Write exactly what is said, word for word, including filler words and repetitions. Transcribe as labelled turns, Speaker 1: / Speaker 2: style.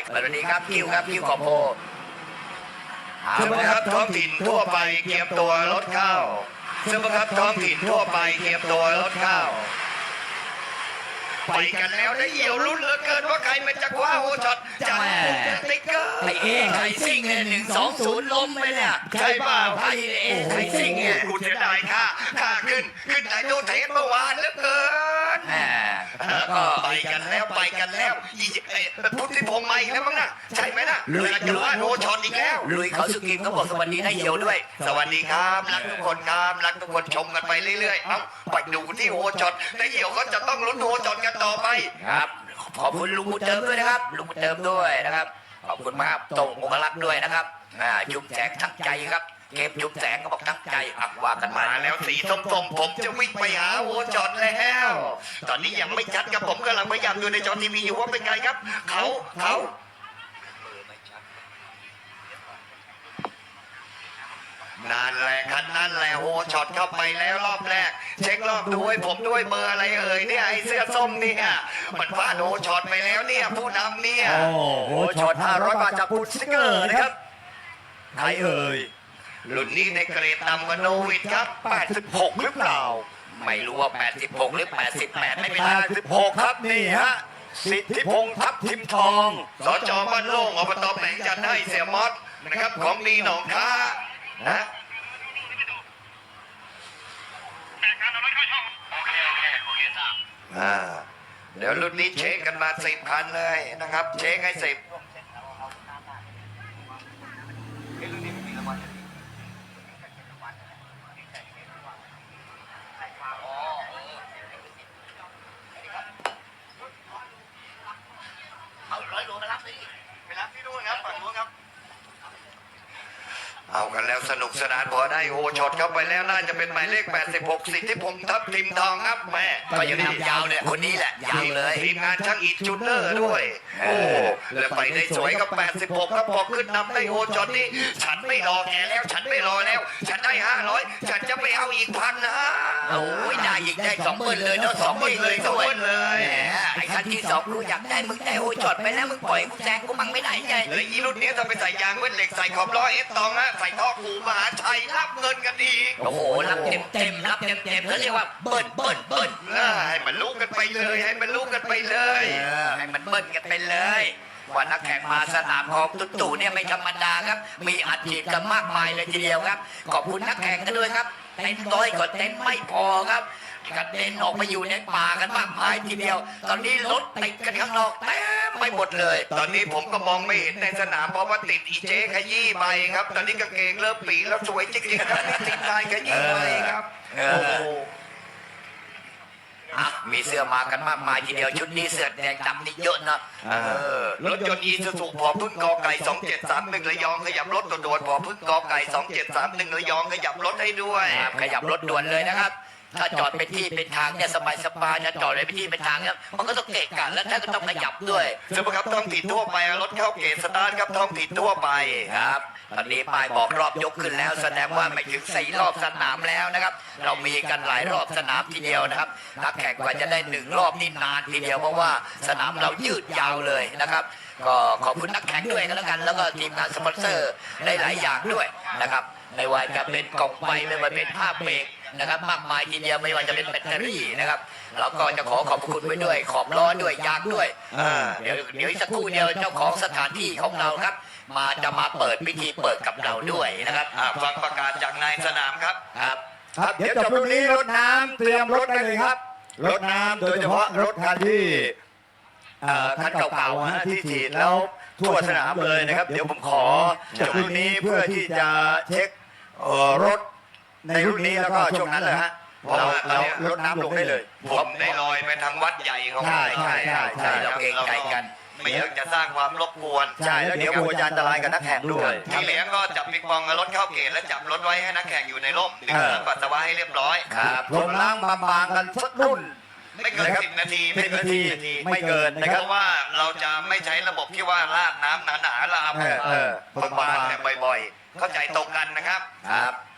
Speaker 1: สวัสดีครับคิวครับคิวขอบโพ
Speaker 2: สมาครับท้องถิ่นทั่วไปเตรียมตัวรถเข้าสมาครับท้องถิ่นทั่วไปเตรียมตัวรถเข้าไปกันแล้วได้เหี่ยวรุ่นเหลือเกินว่าใครมันจะคว้าโอช็อตจากสติ๊กเกอร์
Speaker 1: ไอเอ๋ไข่ซิ่งเนี่ยหนึ่งสองศูนย์ล้มไปเนี่ย
Speaker 2: ใช่เปล่า
Speaker 1: ไอเอ๋ไข่ซิ่งเนี่ย
Speaker 2: กูจะได้ค่าค่าขึ้นขึ้นไหนดูเทสเมื่อวานเหลือเกิน
Speaker 1: แหม
Speaker 2: แล้วก็ไปกันแล้วไปกันแล้วอีเอ้พุทธิพงษ์มาอีกแล้วมั้งน่ะใช่ไหมน่ะเรือจะว่าโอช็อตอีกแล้ว
Speaker 1: ลุยเขาสกิมเขาบอกสวัสดีให้เหี่ยวด้วย
Speaker 2: สวัสดีครับรักทุกคนครับรักทุกคนชมกันไปเรื่อยๆเอ้าไปดูที่โอช็อตแล้วเดี๋ยวเขาจะต้องลุ้นโอช็อตกันต่อไป
Speaker 1: ครับขอบคุณลุงบุญเติมด้วยนะครับลุงบุญเติมด้วยนะครับขอบคุณมากตรงองคลักษ์ด้วยนะครับอ่าจุ๊บแสงทั้งใจครับเก็บจุ๊บแสงก็บอกทั้งใจอักว่ากันมา
Speaker 2: มาแล้วสีส้มๆผมจะวิ่งไปหาโอช็อตแล้ว ตอนนี้ยังไม่ชัดครับผมกำลังพยายามดูในจอทีวีอยู่ว่าเป็นไงครับเขาเขานั่นแหละครับนั่นแหละโอช็อตเข้าไปแล้วรอบแรก เช็ครอบดูให้ผมด้วยเบอร์อะไรเอ่ยเนี่ยไอ้เสื้อส้มเนี่ยมันพลาดโอช็อตไปแล้วเนี่ยผู้นำเนี่ย
Speaker 1: โอ้โหช็อตห้าร้อยบาทจากคุณสติ๊กเกอร์นะครับ
Speaker 2: ใครเอ่ยรุ่นนี้ในเกรดต่ำกว่าโนวิดครับแปดสิบหกหรือเปล่า
Speaker 1: ไม่รู้ว่าแปดสิบหกหรือแปดสิบแปดไม่เป็นไร
Speaker 2: แปดสิบหกครับนี่ฮะสิทธิพงษ์ทับทิมทองสจบ้านโล่งอบตแหลงจันทร์ให้เสียมอสนะครับของดีหนองค้านะอ่าเดี๋ยวรุ่นนี้เช็คกันมาสิบคันเลยนะครับ เช็คให้สิบ
Speaker 1: เอาร้อยโลมารับเลย
Speaker 2: ไปรับที่นู่นครับฝั่งนู้นครับเอากันแล้วสนุกสนานพอได้โอช็อตเข้าไปแล้วน่าจะเป็นหมายเลขแปดสิบหกสิทธิพงษ์ทับทิมทองครับแม่
Speaker 1: ก็ยังนำยาวเนี่ยคนนี้แหละยาวเลย
Speaker 2: ทีมงานช่างอิฐจูเนอร์ด้วย โอ้แล้วไปได้สวยกับแปดสิบหกครับพอขึ้นนำได้โอช็อตนี้ฉันไม่รอแกแล้วฉันไม่รอแล้ว ฉันได้ห้าร้อยฉันจะไปเอาอีกพันนะ
Speaker 1: โอ้ยได้อีกได้สองหมื่นเลยเนาะสองหมื่นเลย
Speaker 2: สอง
Speaker 1: ด้วย
Speaker 2: หมื่นเลย
Speaker 1: แหมไอ้คันที่สองกูอยากได้มึงได้โอ้ยจอดไปแล้วมึงปล่อยกูแซงกูมั่งไม่ได้ไง
Speaker 2: และอีรุ่นนี้ถ้าไปใส่ยางเวทเหล็กใส่ขอบล้อเอสตองฮะใส่ท่อกูมหาชัยรับเงินกันอีก
Speaker 1: โอ้โหรับเต็มเต็มรับเต็มเต็มเขาเรียกว่าเบิ้ลเบิ้ลเบิ้ล
Speaker 2: อ่าให้มันรู้กันไปเลยให้มันรู้กันไปเลย
Speaker 1: เออให้มันเบิ้ลกันไปเลยว่านักแข่งมาสนามของตุ๊ตู่เนี่ยไม่ธรรมดาครับมีอัดฉีดกันมากมายเลยทีเดียวครับขอบคุณนักแข่งกันด้วยครับเต็นท์ร้อยก็เต็นท์ไม่พอครับกระเด็นออกมาอยู่ในป่ากันมากมายทีเดียว ตอนนี้รถติดกันข้างนอกเต็มไปหมดเลย
Speaker 2: ตอนนี้ผมก็มองไม่เห็นในสนามเพราะว่าติดอีเจขยี้ไปครับ ตอนนี้กางเกงเริ่มปีแล้วสวยจริงๆครับนี่ติดลายขยี้ไปครับ
Speaker 1: เออ
Speaker 2: โอ้โห
Speaker 1: อ่ะมีเสื้อมากันมากมายทีเดียวชุดนี้เสื้อแดงดำนี่เยอะนะ
Speaker 2: เออรถยนต์อีซูซูพอพึ่งกอไก่สองเจ็ดสามหนึ่งระยองขยับรถตัวด่วนพอพึ่งกอไก่สองเจ็ดสามหนึ่งระยองขยับรถให้ด้วย
Speaker 1: ครับขยับรถด่วนเลยนะครับ ถ้าจอดเป็นที่เป็นทางเนี่ยสบายสบายจะจอดเป็นที่เป็นทางเนี่ยมันก็ต้องเกะกะแล้วท่านก็ต้องขยับด้วย
Speaker 2: สมมติครับท้องถิ่นทั่วไปรถเข้าเกตสตาร์ทครับท้องถิ่นทั่วไป
Speaker 1: ครับตอนนี้ป้ายบอกรอบยกขึ้นแล้ว แสดงว่าไม่ถึงสี่รอบสนามแล้วนะครับ เรามีกันหลายรอบสนามทีเดียวนะครับนักแข่งกว่าจะได้หนึ่งรอบนี่นานทีเดียวเพราะว่าสนามเรายืดยาวเลยนะครับ ก็ขอบคุณนักแข่งด้วยกันแล้วกัน แล้วก็ทีมงานสปอนเซอร์ได้หลายอย่างด้วยนะครับไม่ว่าจะเป็นกล่องไฟไม่ว่าเป็นผ้าเบรกนะครับมากมายทีเดียวไม่ว่าจะเป็นแบตเตอรี่นะครับเราก็จะขอขอบคุณไว้ด้วยขอบล้อด้วยยางด้วย
Speaker 2: อ่า
Speaker 1: เดี๋ยวเดี๋ยวอีกสักครู่เดียวเจ้าของสถานที่ของเราครับ มาจะมาเปิดพิธีเปิดกับเราด้วยนะครับ
Speaker 2: อ่าฟังประกาศจากนายสนามครับ
Speaker 1: ครับ
Speaker 3: ครับเดี๋ยวจบรุ่นนี้รถน้ำเตรียมรถได้เลยครับรถน้ำโดยเฉพาะรถคันที่เอ่อคันเก่าๆฮะที่ฉีดแล้วทั่วสนามเลยนะครับ เดี๋ยวผมขอจบรุ่นนี้เพื่อที่จะเช็คเอ่อรถในรุ่นนี้แล้วก็ช่วงนั้นเลยฮะเราเรารถน้ำลงได้เลย
Speaker 2: ผมได้ลอยไปทางวัดใหญ่ของ
Speaker 3: ใช่ใช่ใช่ใช่
Speaker 1: เราเกรงใจกัน
Speaker 2: ไม่อยากจะสร้างความรบกวน
Speaker 3: ใช่แล้วเดี๋ยวกลัวจะอันตรายกับนักแข่งด้วย
Speaker 2: ที่เหลือก็จับปิงปองกับรถเข้าเกตและจับรถไว้ให้นักแข่งอยู่ในร่มดื่มน้ำปัสสาวะให้เรียบร้อย
Speaker 1: ครับ
Speaker 3: ลงล้างบางๆกันสักรุ่น
Speaker 2: ไม่เกินสิบนาที
Speaker 3: สิบนาทีไม่เกินนะ
Speaker 2: เพ
Speaker 3: ครับ
Speaker 2: ราะว่าเราจะไม่ใช้ระบบที่ว่าราดน้ำหนาๆลา
Speaker 3: เออเออ
Speaker 2: บางๆแต่บ่อยๆ เข้าใจตรงกันนะครับ
Speaker 1: ครับ